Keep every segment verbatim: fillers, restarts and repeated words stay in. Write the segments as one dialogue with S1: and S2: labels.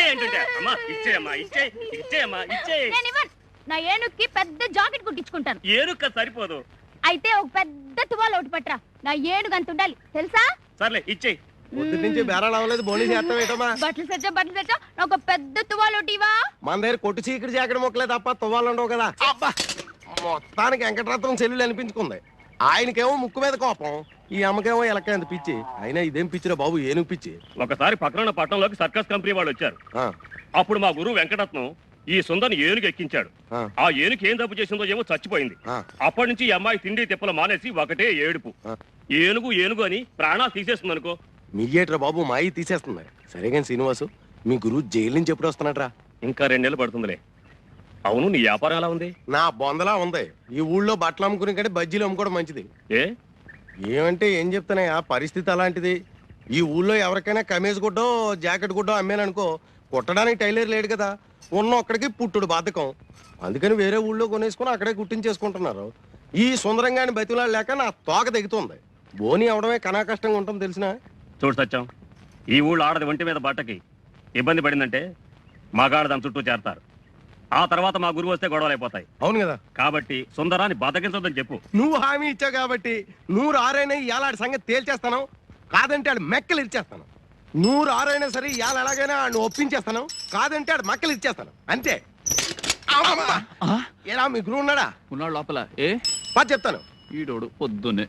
S1: ఇచ్చేయంటుంటే అమ్మా ఇచ్చేయమ్మా ఇచ్చే ఇచ్చేయమ్మా ఇచ్చే.
S2: నా ఏనుక్కి పెద్ద జాకెట్ కుట్టించుకుంటాను.
S1: ఏనుక్క సరిపోదు.
S2: అయితే ఒక పెద్ద తువాలు ఒకటి పట్టరా. నా ఏనుగు అంత ఉండాలి తెలుసా?
S1: సర్లే ఇచ్చేయి.
S3: పొద్దు నుంచి బేరాలు అవ్వలేదు బోనీ చేస్తాం ఏంటమ్మా?
S2: బట్టలు సెచ్చా బట్టలు సెచ్చా ఒక పెద్ద తువాలు ఒకటివా.
S3: మన దగ్గర కొట్టు చీకటి జాకెట్ మొక్కలే తప్ప తువ్వాలు ఉండవు కదా. అబ్బా మొత్తానికి వెంకటరత్నం చెల్లెలు అనిపించుకుంది. ఆయనకేమో ముక్కు మీద కోపం, ఈ అమ్మకేమో ఎలక ఎంత పిచ్చి. అయినా ఇదేం పిచ్చిరా బాబు, ఏనుగు పిచ్చి.
S1: ఒకసారి పక్కన పట్టణంలోకి సర్కస్ కంపెనీ వాళ్ళు వచ్చారు. అప్పుడు మా గురువు వెంకటరత్నం ఈ సుందరిని ఏనుగు ఎక్కించాడు. ఆ ఏనుగు ఏం తప్పు చేసిందో ఏమో చచ్చిపోయింది. అప్పటి నుంచి ఈ అమ్మాయి తిండి తిప్పలు మానేసి ఒకటే ఏడుపు. ఏనుగు ఏనుగు అని ప్రాణాలు తీసేస్తుంది అనుకో.
S3: మీయేట్రా బాబు మాయి తీసేస్తుంది. సరే కానీ శ్రీనివాసు, మీ గురువు జైలు నుంచి ఎప్పుడు వస్తున్నాడ్రా?
S1: ఇంకా రెండేళ్ళు పడుతుందిలే. అవును, నీ వ్యాపారం ఎలా ఉంది?
S3: నా బొందలా ఉంది. ఈ ఊళ్ళో బట్టలు అమ్ముకునే కంటే బజ్జీలు అమ్ముకోవడం మంచిది.
S1: ఏ
S3: ఏమంటే ఏం చెప్తానయ్యా, పరిస్థితి అలాంటిది. ఈ ఊళ్ళో ఎవరికైనా కమీజ్ గుడ్డో జాకెట్ గుడ్డో అమ్మాననుకో, కుట్టడానికి టైలర్ లేడు కదా. ఉన్న ఒక్కడికి పుట్టుడు బాధకం. అందుకని వేరే ఊళ్ళో కొనేసుకుని అక్కడే కుట్టించేసుకుంటున్నారు. ఈ సుందరంగాని బతిలాడు లేక నా తోక దిగుతుంది. బోని అవడమే కనా కష్టంగా ఉంటుంది తెలిసిన.
S1: చూడు సత్యం, ఈ ఊళ్ళో ఆడది ఒంటి మీద బట్టకి ఇబ్బంది పడిందంటే మగాడు దాని చుట్టూ చేరతారు. ఆ తర్వాత మా గురువు వస్తే గొడవలు అయిపోతాయి.
S3: అవును కదా.
S1: కాబట్టి సుందరాన్ని బతకించొద్దని చెప్పు.
S3: నువ్వు హామీ ఇచ్చావు కాబట్టి నూరు ఆరైనా ఇలాంటి సంగతి తేల్చేస్తాను. కాదంటే ఆడు మెక్కలు ఇచ్చేస్తాను. నూరు ఆరైనా సరే ఇవాళ ఎలాగైనా ఆడు ఒప్పించేస్తాను. కాదంటే ఆడు మక్కలు ఇచ్చేస్తాను అంతే. ఎలా మీ గురువు ఉన్నాడా?
S4: ఉన్నాడు లోపల. ఏ
S3: పా చెప్తాను.
S4: ఈడోడు పొద్దున్నే.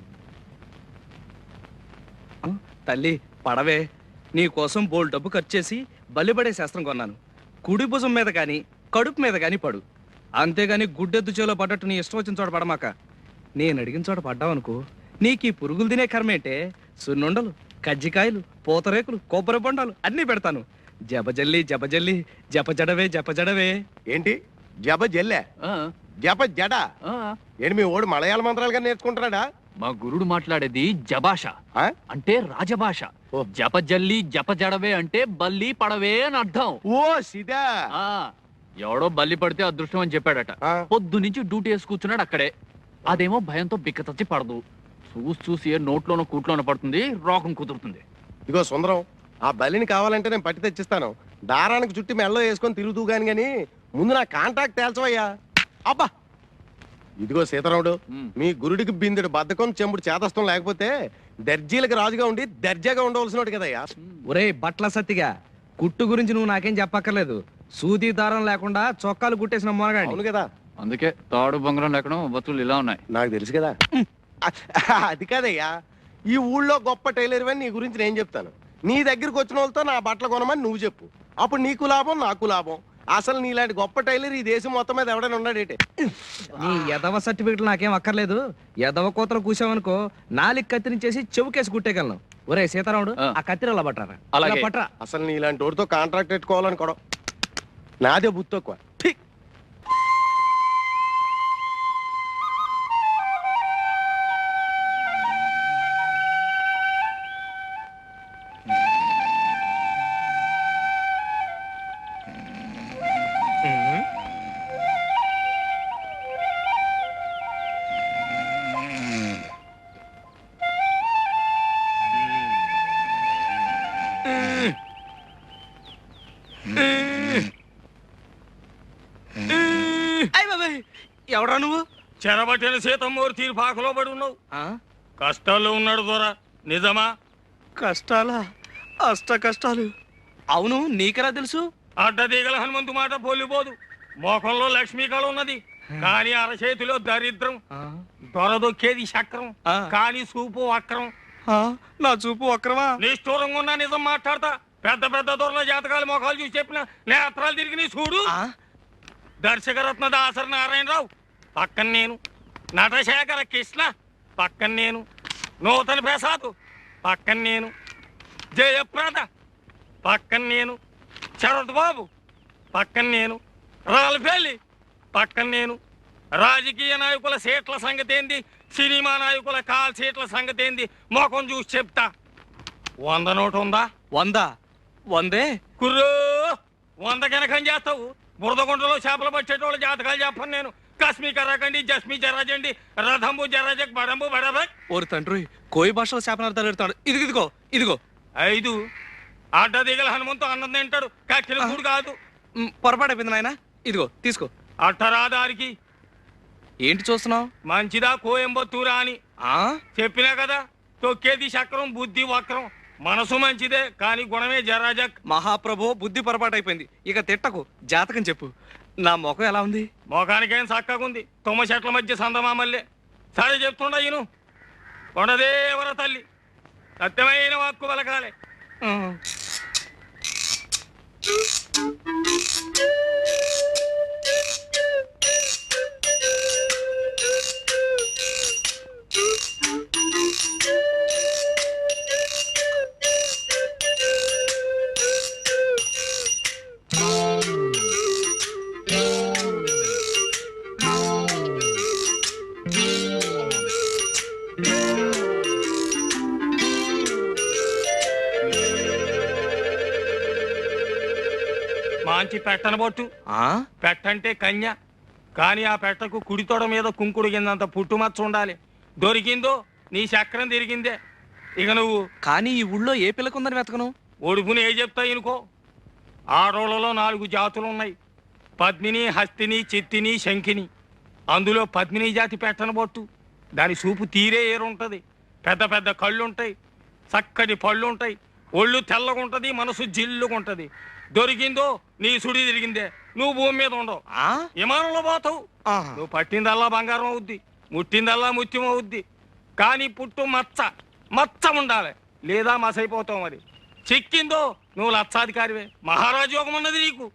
S5: తల్లి పడవే, నీ కోసం బోల్ డబ్బు ఖర్చు చేసి బలిపడే శాస్త్రం కొన్నాను. కుడి భుజం మీద కానీ కడుపు మీద కానీ పడు. అంతేగాని గుడ్డెద్దు చేలో పడ్డట్టు నీ ఇష్టం వచ్చిన చోట పడమాక. నేను అడిగిన చోట పడ్డావనుకో, నీకు ఈ పురుగులు తినే కర్మేంటే సున్నుండలు, కజ్జికాయలు, పూతరేకులు, కొబ్బరి బొండాలు అన్నీ పెడతాను. జపజల్లి జపజల్లి జపజడవే జపజడవే.
S3: ఏంటి జప జల్లే జప జడ? ఏంటి మీ ఓడు మలయాళ మంత్రాలుగా నేర్చుకుంటున్నాడా?
S4: మా గురుడు మాట్లాడేది జభాష, అంటే రాజభాష. జపజల్లి జపజడవే అంటే బల్లి పడవే అని అర్థం.
S3: ఓ సిదా.
S4: ఎవడో బల్లి పడితే అదృష్టం అని చెప్పాడట. పొద్దు నుంచి డ్యూటీ వేసి కూర్చున్నాడు అక్కడే. అదేమో భయంతో బిక్కతచ్చి పడదు. చూసి చూసి ఏ నోట్లోనో కూట్లోనో పడుతుంది, రోగం కుదురుతుంది.
S3: ఇగో సుందరం, ఆ బలిని కావాలంటే నేను పట్టి తెచ్చిస్తాను. దారానికి చుట్టి మెల్లో వేసుకొని తిరుగుతూ గాని గాని ముందు నా కాంటాక్ట్ తేల్చవయ్యా. అబ్బా ఇదిగో సీతారాముడు, మీ గురుడికి బిందుడు బద్ధకం చెంబుడు చేతస్థం లేకపోతే దర్జీలకు రాజుగా ఉండి దర్జాగా ఉండవలసినోడు కదయ్యా.
S5: ఒరే బట్ల సత్తిగా, కుట్టు గురించి నువ్వు నాకేం చెప్పక్కర్లేదు. సూది దారం లేకుండా చొక్కాలు కుట్టేసిన మొనగాడి.
S3: అవును కదా.
S4: అందుకే తాడు బొంగరం లేకుండా వస్తువులు ఇలా ఉన్నాయి.
S3: నాకు తెలుసు కదా. అది కాదయ్యా, ఈ ఊళ్ళో గొప్ప టైలర్ అని నీ గురించి నేను చెప్తాను. నీ దగ్గరికి వచ్చిన వాళ్ళతో నా బట్టలు కొనమని నువ్వు చెప్పు. అప్పుడు నీకు లాభం, నాకు లాభం. అసలు నీలాంటి గొప్ప టైలర్ ఈ దేశం మొత్తం మీద ఎవడైనా ఉన్నాడేటే.
S5: నీ ఎదవ సర్టిఫికెట్లు నాకేం అక్కర్లేదు. ఎదవ కోతలు కూసావనుకో, నాలుగు కత్తిరించేసి చెవుకేసి కుట్టేయగలను. ఒరే సీతారాముడు, ఆ కత్తిరి అలా పట్టరా.
S4: అలాగే
S5: పట్టరా.
S3: అసలు నీలాంటి వాడితో కాంట్రాక్ట్ పెట్టుకోవాలని కూడా నాదే బుద్ధి తక్కువ.
S5: ఎవడా నువ్వు?
S1: చెరబట్టిన సీతమ్మూరు తీరు పాకలో పడి ఉన్నావు. కష్టాల్లో ఉన్నాడు దొరా, నిజమా?
S5: కష్టాలా? అష్ట కష్టాలు. అవును, నీకెలా తెలుసు?
S1: అడ్డదీగల హనుమంతు మాట పోలిపోదు. మోకంలో లక్ష్మీకళ ఉన్నది, కానీ అరచేతిలో దరిద్రం. దొరదొక్కేది చక్రం, కానీ చూపు వక్రం.
S5: నా చూపు వక్రమా?
S1: నిష్ఠూరంగా ఉన్నా నిజం మాట్లాడతా. పెద్ద పెద్ద దొరల జాతకాలు మొఖాలు చూసి చెప్పిన నేత్రాలు తిరిగి నీ చూడు. దర్శకరత్న దాసరి నారాయణరావు పక్కన నేను, నటశేఖర కృష్ణ పక్కన నేను, నూతన ప్రసాద్ పక్కన నేను, జయప్రద పక్కన నేను, శరత్ బాబు పక్కన నేను, రాల్పల్లి పక్కన నేను. రాజకీయ నాయకుల సీట్ల సంగతి ఏంది, సినిమా నాయకుల కాల్ సీట్ల సంగతి ఏంది మొఖం చూసి చెప్తా. వంద నోటు ఉందా?
S5: వంద వందే
S1: కుర్రో, వంద కనకం చేస్తావు. బురదగుంటలో చేపలు పట్టేటోళ్ళ జాతకాలు చెప్పను నేను. కశ్మీ కర్రకండి, జస్మీ జరాజండి, రథంబు జరాజక్ బడంబు బడబక్.
S5: ఓరి తండ్రి, కోయి భాషలో శాపనార్థాలు ఎడతాడు. ఇదిగో ఇదిగో ఇదిగో
S1: ఐదు అడ్డ దిగల హనుమంతు అన్నం తింటాడు కక్కిన కూడు కాదు.
S5: మ్, పొరపాటు అయిపోయింది నాయన. ఇదిగో తీసుకో.
S1: అట్టరాదారికి
S5: ఏంటి చూస్తున్నావు?
S1: మంచిదా కోయంబత్తూరా అని
S5: ఆ
S1: చెప్పినా కదా. తొక్కేది చక్రం, బుద్ధి వక్రం. మనసు మంచిదే కానీ గుణమే జరాజక్.
S5: మహాప్రభు బుద్ధి పొరపాటు అయిపోయింది. ఇక తిట్టకు, జాతకం చెప్పు. నా ముఖం ఎలా ఉంది?
S1: మోకానికేం చక్కగుంది. తుమ్మ చెట్ల మధ్య సందమామల్లే. సరే చెప్తుండ ఈను. కొండదేవర తల్లి సత్యమైన వాక్కు పలకాలే.
S5: ఉమ్.
S1: మాంచి పెట్టనబొట్టు.
S5: ఆ
S1: పెట్టంటే కన్య. కానీ ఆ పెట్టకు కుడితోడ మీద కుంకుడు కిందంత పుట్టుమచ్చ ఉండాలి. దొరికిందో నీ చక్రం తిరిగిందే. ఇక నువ్వు
S5: కానీ ఈ ఊళ్ళో ఏ పిల్లకుందని వెతకను?
S1: ఒడుపుని ఏ చెప్తాయి అనుకో. ఆడోళ్ళలో నాలుగు జాతులు ఉన్నాయి. పద్మిని, హస్తిని, చిత్తిని, శంఖిని. అందులో పద్మిని జాతి పెట్టనబొట్టు. దాని చూపు తీరే ఏరుంటది. పెద్ద పెద్ద కళ్ళుంటాయి, చక్కటి పళ్ళుంటాయి, ఒళ్ళు తెల్లగుంటది, మనసు జిల్లుగుంటది. దొరికిందో నీ సుడి తిరిగిందే. నువ్వు భూమి మీద ఉండవు,
S5: ఆ
S1: విమానంలో పోతావు.
S5: ఆహా.
S1: నువ్వు పట్టిందల్లా బంగారం అవుద్ది, ముట్టిందల్లా ముత్యం అవుద్ది. కానీ పుట్టు మచ్చ మచ్చ ఉండాలి, లేదా మసైపోతావు. మరి చిక్కిందో నువ్వు లక్షాధికారివే. మహారాజు యోగం ఉన్నది నీకు.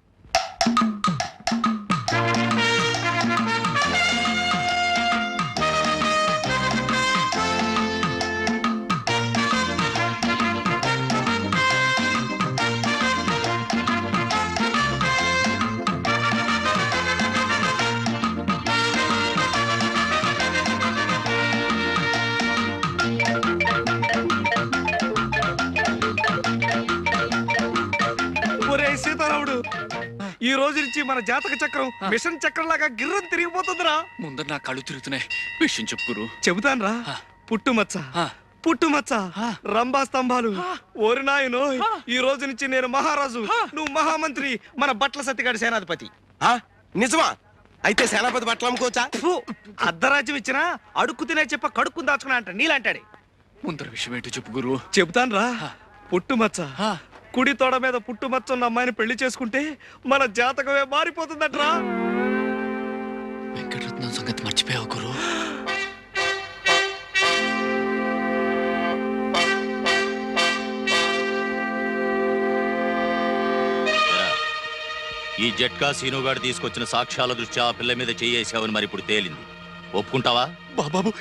S5: ఒరే సీతారాముడు, ఈ రోజు నుంచి మన జాతక చక్రం మిషన్ చక్రం లాగా గిర్రం తిరిగిపోతుందిరా.
S4: ముందర నా కళ్ళు తిరుగుతున్నాయి. విషయం చెప్పుకురు.
S5: చెబుతాన్రా.
S4: ఆ.
S5: పుట్టుమచ్చ
S4: ఆ.
S5: పుట్టుమచ్చ
S4: ఆ.
S5: రంభా స్తంభాలు. ఓరి నాయనో, ఈ రోజు నుంచి నేను మహారాజు, నువ్వు మహామంత్రి, మన బట్ల సత్తిగాడి సేనాధిపతి.
S3: ఆ? నిజమా? అయితే సేనాపతి బట్టలు అమ్ముకోవచ్చా?
S5: ఫు, అర్ధరాజ్యం ఇచ్చినా అడుక్కు తినే చెప్ప కడుక్కుని దాచుకున్నా అంట నీలాంటాడే.
S4: ముందర విషయం ఏంటో చెప్పు గురు.
S5: చెబుతాన్రా. పుట్టుమచ్చ
S4: ఆ.
S5: కుడి తోడ మీద పుట్టుమచ్చ ఉన్న అమ్మాయిని పెళ్లి చేసుకుంటే మన జాతకమే మారిపోతుందట్రా.
S4: వెంకటరత్నం సంగతి మర్చిపోయావు గురు.
S6: ఈ జట్కా సీనుగాడు తీసుకొచ్చిన సాక్ష్యాల దృష్ట్యా ఆ పిల్ల మీద చేయేసావని మరి ఇప్పుడు తేలింది. ఒప్పుకుంటావా?
S4: బాబు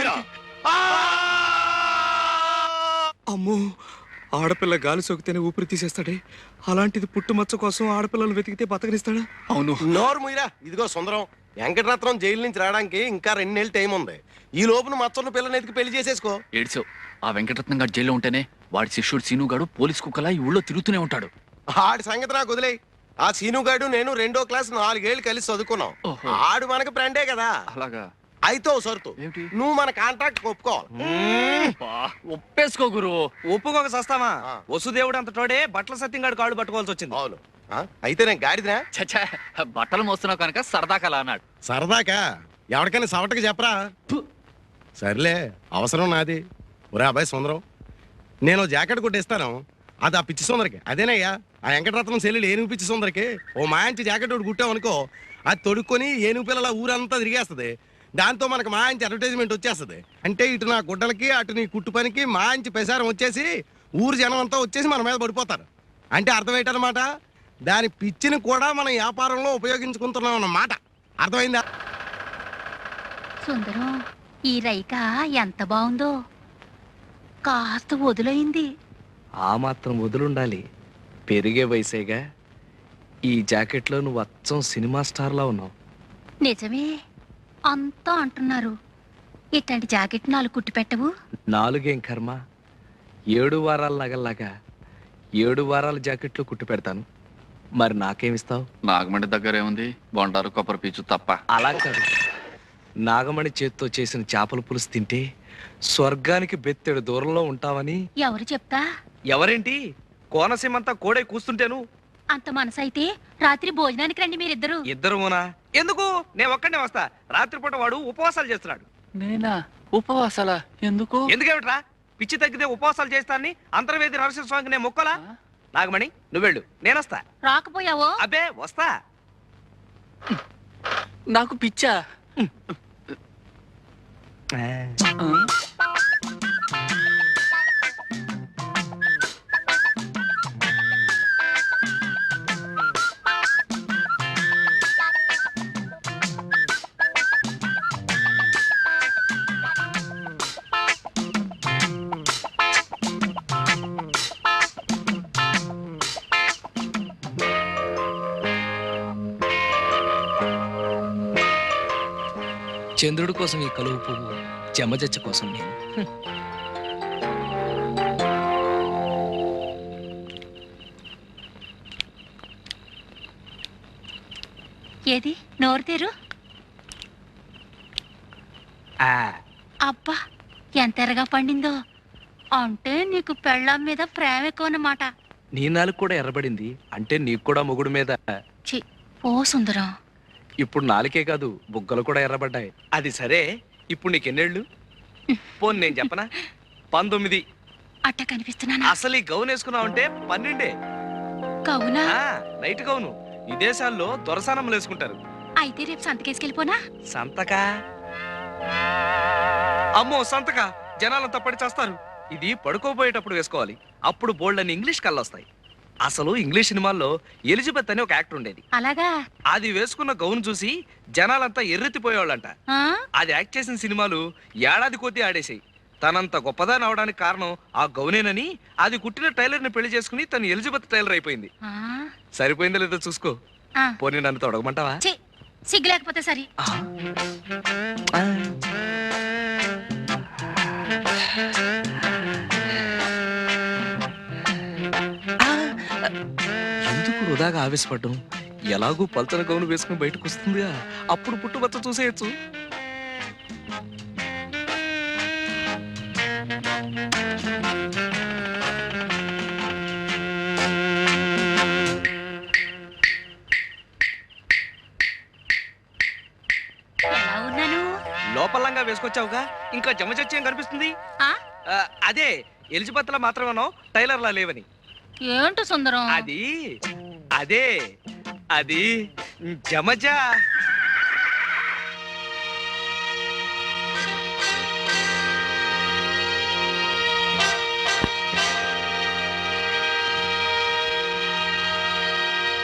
S5: అమ్మో, ఆడపిల్ల గాలి సోకితేనే ఊపిరి తీసేస్తాడే, అలాంటిది పుట్టుమచ్చ కోసం ఆడపిల్లలు వెతికితే బతకనిస్తాడా?
S4: అవును.
S3: నోరు ముయిరా. ఇదిగో సుందరం, వెంకటరత్నం జైలు నుంచి రావడానికి ఇంకా రెండు నెలలు టైం ఉంది. ఈ లోపున మచ్చన్న పిల్లని ఎతికి పెళ్లి చేసేసుకో.
S4: ఏడ్చావు. ఆ వెంకటరత్నం గారు జైల్లో ఉంటేనే వాడి శిష్యుడు సీను గాడు పోలీస్ కుక్కలా ఈ ఊళ్ళో తిరుగుతూనే ఉంటాడు.
S3: ఆడి సంగతి నాకు వదిలే. ఆ సీనుగాడు నేను రెండో క్లాస్ నాలుగేళ్లు కలిసి చదువుకున్నాం.
S4: ఓహో.
S3: ఆడు మనకి ఫ్రెండే కదా.
S4: అలాగా?
S3: అయితే ఓ సరుతు,
S4: ఏమిటి?
S3: నువ్వు మన కాంట్రాక్ట్ ఒప్పుకోవాలి.
S4: బా, ఒప్పేసుకో గురు.
S5: ఒప్పుకోక సస్తామా?
S3: ఆ.
S5: వసుదేవుడు అంత తోడే బట్టల సత్యంగాడు కాళ్ళు పట్టుకోవాల్సి వచ్చింది.
S3: అవును. ఆ? అయితే నేను గాడిదినా?
S4: చచ్చా, బట్టలు మోస్తున్నావు కనుక సరదా కల అన్నాడు.
S3: సరదాకా ఎవరికైనా సవటకి చెప్పరా? సర్లే, అవసరం నాది. ఒరే అబ్బాయి సుందరం, నేను జాకెట్ కొట్టిస్తాను. అది ఆ పిచ్చి సుందరికి. అదేనయ్యా ఆ వెంకటరత్నం సెల్లులు ఏనుగు పిచ్చి సుందరికి ఓ మాంచి జాకెట్ ఒకటి కుట్టామనుకో, అది తొడుక్కొని ఏనుగు పిల్లల ఊరంతా తిరిగేస్తుంది. దాంతో మనకు మాంచి అడ్వర్టైజ్మెంట్ వచ్చేస్తుంది. అంటే ఇటు నా గుడ్డలకి అటు నీ కుట్టు పనికి మాంచి ప్రసారం వచ్చేసి ఊరు జనం అంతా వచ్చేసి మన మీద పడిపోతారు. అంటే అర్థమేటన్నమాట, దాని పిచ్చిని కూడా మనం వ్యాపారంలో ఉపయోగించుకుంటున్నాం అన్నమాట. అర్థమైందా?
S2: సుందరం, ఈ రైక ఎంత బాగుందో. కాస్త వదులైంది.
S5: ఆ మాత్రం వదులుండాలి, పెరిగే వయసేగా. ఈ జాకెట్లో నువ్వు అచ్చం సినిమా స్టార్లా ఉన్నావు.
S2: నిజమే అంతా అంటున్నారు. ఇట్లాంటి జాకెట్ నాలుగు కుట్టి పెట్టవు?
S5: నాలుగేం కర్మ, ఏడు వారాల నగల్లాగా ఏడు వారాల జాకెట్లు కుట్టి పెడతాను. మరి నాకేమిస్తావు?
S4: నాగమండి దగ్గర ఏముంది? బొండారు కొబ్బరి పీచు తప్ప.
S5: అలా కాదు, నాగమణి చేత్తో చేసిన చేపల పులుసు తింటే స్వర్గానికి బెత్తెడు దూరంలో ఉంటావని.
S2: ఎవరు చెప్తా?
S5: ఎవరేంటి, కోనసీమంతా కోడై కూస్తుంటేను.
S2: అంత మనసైతే రాత్రి భోజనానికి రండి మీరిద్దరు.
S5: ఇద్దరునా? ఎందుకు? నేను ఒక్కడే వస్తా. రాత్రిపూట వాడు ఉపవాసాలు చేస్తున్నాడు.
S4: నేనా? ఉపవాసాల ఎందుకు?
S5: ఎందుకేమిట్రా? పిచ్చి తగ్గితే ఉపవాసాలు చేస్తానని అంతర్వేది నరసింహస్వామికి నేను మొక్కలా? నాగమణి నువ్వెళ్ళు, నేనొస్తా.
S2: రాకపోయావో?
S5: అబ్బే వస్తా.
S4: నాకు పిచ్చా?
S5: చంద్రుడి కోసం ఈ కలువు పువ్వు, చెమ్మజచ్చ కోసం నేను.
S2: ఏది నోరు తెరు.
S5: ఆ,
S2: అబ్బా ఎంత ఎరగా పండిందో. అంటే నీకు పెళ్ళాం మీద ప్రేమ ఎక్కువ అన్నమాట.
S5: నీ నాలుగు కూడా ఎర్రబడింది అంటే నీకు కూడా మొగుడు మీద.
S2: చి ఓ సుందరం.
S5: ఇప్పుడు నాలుకే కాదు, బుగ్గలు కూడా ఎర్రబడ్డాయి. అది సరే, ఇప్పుడు నీకెన్నేళ్ళు? పోన్ నేను చెప్పనా? పంతొమ్మిది.
S2: అట్ట కనిపిస్తున్నానా?
S5: అసలు ఈ గౌన్ వేసుకున్నావు అంటే పన్నెండే.
S2: కవునా?
S5: ఆ, నైట్ గౌను. విదేశాల్లో దొరసానములు వేసుకుంటారు.
S2: అయితే రేపు సంతకేసుకెళ్ళిపోనా?
S5: సంతకా? అమ్మో సంతకా, జనాలంతా పడి చేస్తారు. ఇది పడుకోబోయేటప్పుడు వేసుకోవాలి. అప్పుడు బోల్డ్ అని ఇంగ్లీష్ కళ్ళొస్తాయి. అసలు ఇంగ్లీష్ సినిమాల్లో ఎలిజబెత్ అని ఒక యాక్టర్ ఉండేది.
S2: అలాగా?
S5: అది వేసుకున్న గౌన్ చూసి జనాలంతా ఎర్రెత్తిపోయేవాళ్ళంట.
S2: ఆ?
S5: అది యాక్ట్ చేసిన సినిమాలు ఏడాది కొద్దీ ఆడేసాయి. తనంత గొప్పదాని అవడానికి కారణం ఆ గౌనేనని అది కుట్టిన టైలర్ ని పెళ్లి చేసుకుని తను ఎలిజబెత్ టైలర్ అయిపోయింది.
S2: ఆ?
S5: సరిపోయిందో లేదో చూసుకో.
S2: ఆ.
S5: పోనీ నన్ను తొడగమంటావా?
S2: ఛీ, సిగ్గు లేకపోతే సరి.
S5: ఆ. ఆ. ఎందుకు వృధాగా ఆవేశపడ్డం? ఎలాగూ పల్చన గౌను వేసుకుని బయటకు వస్తుందిగా, అప్పుడు పుట్టుబచ్చ చూసేయచ్చు.
S2: ఎలా ఉన్నాను?
S5: లోపలంగా వేసుకొచ్చావుగా, ఇంకా జమచచ్చేం కనిపిస్తుంది?
S2: ఆ?
S5: ఆ, అదే ఎలిజబెత్ లా మాత్రమేనో టైలర్ లా లేవని.
S2: ఏంటో సుందరం?
S5: అది అదే అది జమజ.